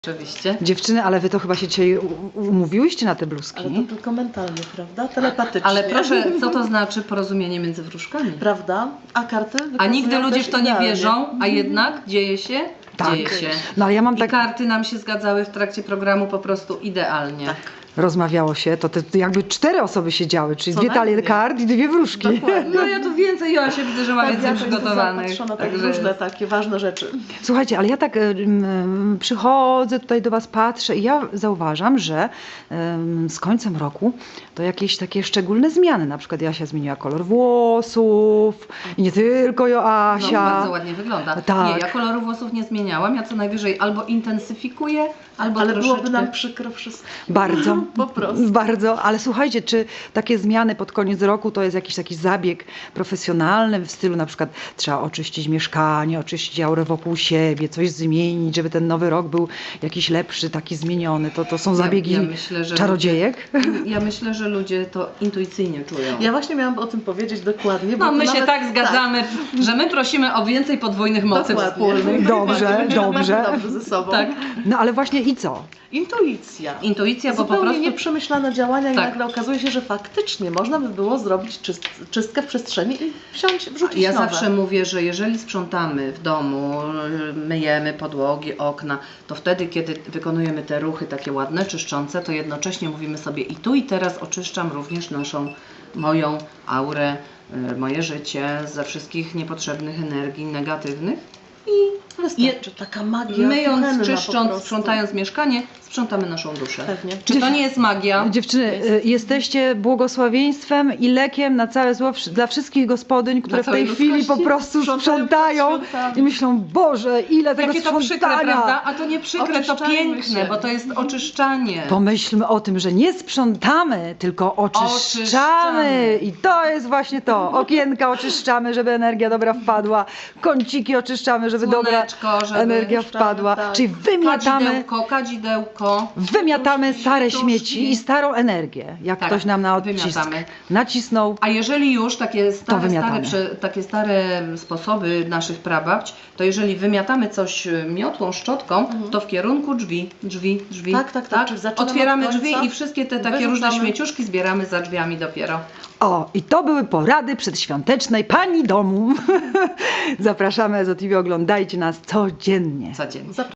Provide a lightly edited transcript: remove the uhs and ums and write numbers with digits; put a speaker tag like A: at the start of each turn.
A: Oczywiście.
B: Dziewczyny, ale wy to chyba się dzisiaj umówiłyście na te bluzki.
C: Ale to tylko mentalnie, prawda? Telepatycznie.
A: Ale proszę, co to znaczy porozumienie między wróżkami?
C: Prawda? A karty
A: A
C: wykazują
A: nigdy ludzie
C: też
A: w to nie
C: idealnie.
A: wierzą, a jednak dzieje się?
B: Tak.
A: Dzieje się.
B: No ale ja mam
A: I
B: tak,
A: karty nam się zgadzały w trakcie programu po prostu idealnie.
C: Tak.
B: rozmawiało się, to jakby 4 osoby siedziały, czyli
C: Co
B: 2 talie
C: najmniej.
B: kart i 2 wróżki.
C: Dokładnie.
A: No ja tu więcej, Joasia, widzę, że ma
C: Tak,
A: więcej
C: ja to jestem
A: przygotowanych.
C: zapatrzona, tak
A: Także
C: różne takie ważne rzeczy.
B: Słuchajcie, ale ja tak przychodzę tutaj do was, patrzę i ja zauważam, że z końcem roku to jakieś takie szczególne zmiany. Na przykład Jasia zmieniła kolor włosów i nie tylko
A: no,
B: Joasia.
A: bardzo ładnie wygląda.
B: Tak.
A: Nie, ja koloru włosów nie zmieniałam, ja co najwyżej albo intensyfikuję, albo
C: Ale
A: troszeczkę...
C: byłoby nam przykro wszystko.
B: Bardzo,
C: Po prostu.
B: bardzo, ale słuchajcie, czy takie zmiany pod koniec roku to jest jakiś taki zabieg profesjonalny w stylu na przykład trzeba oczyścić mieszkanie, oczyścić aurę wokół siebie, coś zmienić, żeby ten nowy rok był jakiś lepszy, taki zmieniony, to są zabiegi
A: ja myślę, że
B: czarodziejek?
A: Ja myślę, że ludzie to intuicyjnie czują.
C: Ja właśnie miałam o tym powiedzieć dokładnie. bo
A: No
C: to
A: my się
C: nawet,
A: tak zgadzamy, że my prosimy o więcej podwójnych mocy
C: Dokładnie.
A: wspólnych.
B: Dobrze,
C: Będziemy
B: dobrze.
C: dobrze ze sobą.
A: Tak.
B: No ale właśnie i co?
C: Intuicja.
A: Intuicja, bo po
C: Zupełnie
A: prostu...
C: nieprzemyślane działania i
A: Tak.
C: nagle okazuje się, że faktycznie można by było zrobić czystkę w przestrzeni i wrzucić
A: Ja
C: nowe.
A: zawsze mówię, że jeżeli sprzątamy w domu, myjemy podłogi, okna, to wtedy, kiedy wykonujemy te ruchy takie ładne, czyszczące, to jednocześnie mówimy sobie i tu i teraz oczyszczam również moją aurę, moje życie ze wszystkich niepotrzebnych energii negatywnych i
C: Wystarczy taka magia
A: myjąc,
C: kuchenna po
A: czyszcząc,
C: prostu.
A: sprzątając mieszkanie, sprzątamy naszą duszę.
C: Pewnie.
A: Czy to nie jest magia?
B: Dziewczyny, jesteście błogosławieństwem i lekiem na całe zło dla wszystkich gospodyń, które w
A: całej
B: tej chwili po
A: ludzkości.
B: prostu sprzątają
C: sprzątamy.
B: i myślą, Boże, ile tego
A: Jakie to przykre,
B: sprzątania.
A: prawda? A to nie przykre, to
C: Oczyszczajmy
A: piękne,
C: się.
A: bo to jest oczyszczanie.
B: Pomyślmy o tym, że nie sprzątamy, tylko oczyszczamy. I to jest właśnie to. Okienka oczyszczamy, żeby energia dobra wpadła. Kąciki oczyszczamy, żeby dobra
A: Słoneczko, żeby
B: energia wpadła.
C: tak.
B: Czyli
A: kadzidełko.
B: wymiatamy stare
A: świeczuszki.
B: śmieci i starą energię. Jak
A: Tak,
B: ktoś nam na odcisk
A: wymiatamy.
B: nacisnął.
A: A jeżeli już
B: wymiatamy.
A: takie stare sposoby naszych prababć, to jeżeli wymiatamy coś miotłą, szczotką, to w kierunku drzwi.
C: Tak. Czyli zaczynamy
A: Otwieramy
C: od końca,
A: drzwi i wszystkie te takie różne
C: wyrzucamy.
A: śmieciuszki zbieramy za drzwiami dopiero.
B: O, i to były porady przedświątecznej pani domu. Zapraszamy Ezo TV, oglądajcie nas codziennie.
A: Codziennie.